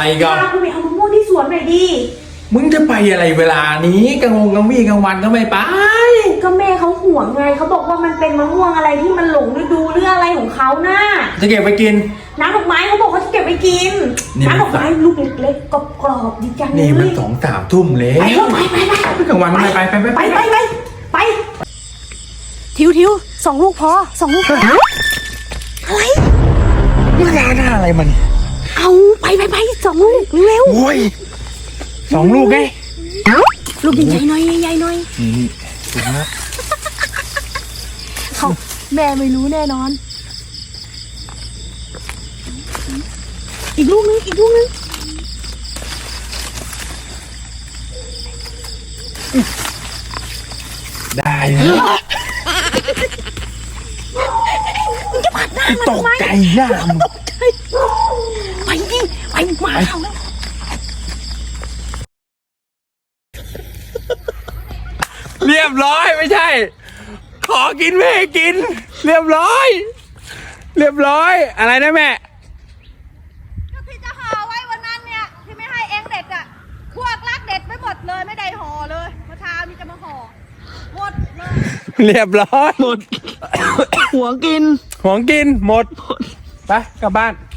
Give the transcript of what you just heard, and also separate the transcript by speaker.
Speaker 1: อะไรกัน
Speaker 2: พากูไปเอามะม่วงที่สวนหน่อยดิ
Speaker 1: มึงจะไปอะไรเวลานี้กลางวันก็ไม่ไป
Speaker 2: ก็แม่เขาห่วงไงเขาบอกว่ามันเป็นมะม่วงอะไรที่มันหลงฤดูหรืออะไรของเขาน่ะ
Speaker 1: จะเก็บไปกิน
Speaker 2: น้ำดอกไม้เขาบอกเขาจะเก็บไปกินน้ำดอกไม้ลูกเล็กๆกรอบๆดีจัง
Speaker 1: นี่มัน2-3 ทุ่มเลย
Speaker 2: ไป
Speaker 1: กลางวันไม่ไป
Speaker 2: ทิว2 ลูกพอ2 ลูกพออะไร
Speaker 1: นี่ร้านอะไรมัน
Speaker 2: เอาไป2 ลูกเร็ว
Speaker 1: โอ้ย2 ลูกไง
Speaker 2: ลูกใหญ่ๆหน่อย
Speaker 1: นี่ถูกนะ
Speaker 2: เขาแม่ไม่รู้แน่นอนอีกลูกนึง
Speaker 1: ได้นะ
Speaker 2: จะผ่านหน้ามัน
Speaker 1: ตกใจหน้ามึง
Speaker 2: ไปดิไปมาเขา
Speaker 1: เรียบร้อยไม่ใช่ขอกินไม่ให้กินเรียบร้อยอะไรนะแม่
Speaker 3: พี่จะห่อไว้วันนั้นเนี่ยที่ไม่ให้เองเด็ดอ่ะพวกรักเด็ดไม่หมดเลยไม่ได้ห่อเลยเมื่อเช้ามีจะมาห่อหมดเลย
Speaker 1: เรียบร้อยหมด
Speaker 2: หัวกิน
Speaker 1: หมดไปกลับบ้าน